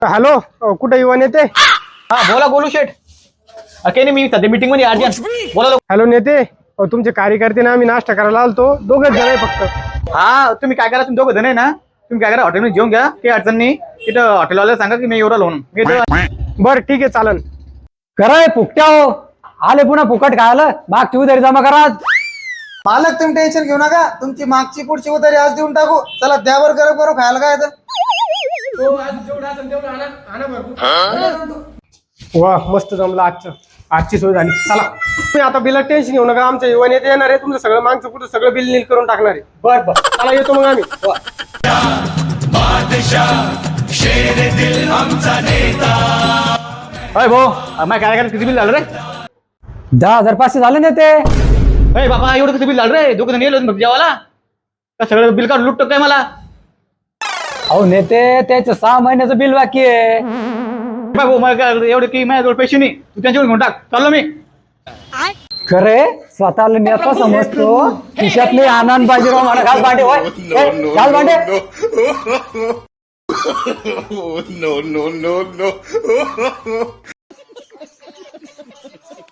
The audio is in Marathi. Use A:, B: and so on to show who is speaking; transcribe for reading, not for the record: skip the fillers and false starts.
A: हॅलो, कुठे युवा नेते?
B: हा बोला गोलू शेठ. काही नाही, मी सध्या मीटिंग मध्ये अर्जंट बोला.
A: हॅलो नेते, तुमचे कार्यकर्ते ना आम्ही नाश्ता करायला आलतो, दोघच जण आहे फक्त.
B: हा तुम्ही काय करा, तुम्ही दोघं जण आहे ना, तुम्ही काय करा हॉटेलमध्ये जेवून घ्या, काही अडचण नाही. तिथं हॉटेलवाल्याला सांगा की मी एवढा लोन
A: बरं ठीक आहे, चालन.
C: कराय फुकट्या हो, आले पुन्हा फुकट खायला. मागची उधारी जमा करा.
D: मालक तुम्ही टेन्शन घेऊ नका, तुमची मागची पुढची उधारी आज देऊन टाकू. चला द्यावर गरम करू खायला काय तर.
A: वा मस्त जमलं आजची सोय झाली. चला तुम्ही आता बिल टेन्शन घेऊ नका, आमच्या युवा नेते येणार आहे, तुमचं सगळं मागचं पुढचं सगळं बिल नील करून टाकणार आहे. बरं चला येतो मग आम्ही.
B: अय भाऊ, माझ्या काय किती बिल झालं रे?
C: 10,500 झाले ना ते.
B: अय बाबा, एवढं कसं बिल झालं रे? दोघं जण येलो जेवायला का सगळं बिल काढून लुटतो काय मला?
C: अहो नेते, त्याचं 6 महिन्याचं बिल बाकी आहे.
B: भाऊ मला काय एवढं की माझ्याजवळ पैसे नाही, तू त्यांच्यावर घेऊन टाक. चाललो मी.
C: खरे स्वतःला नेता समजतो, खिशात नाही आनंद पाहिजे राव मला. घाल भांडे, होय घाल भांडे.
E: no, no, no, no.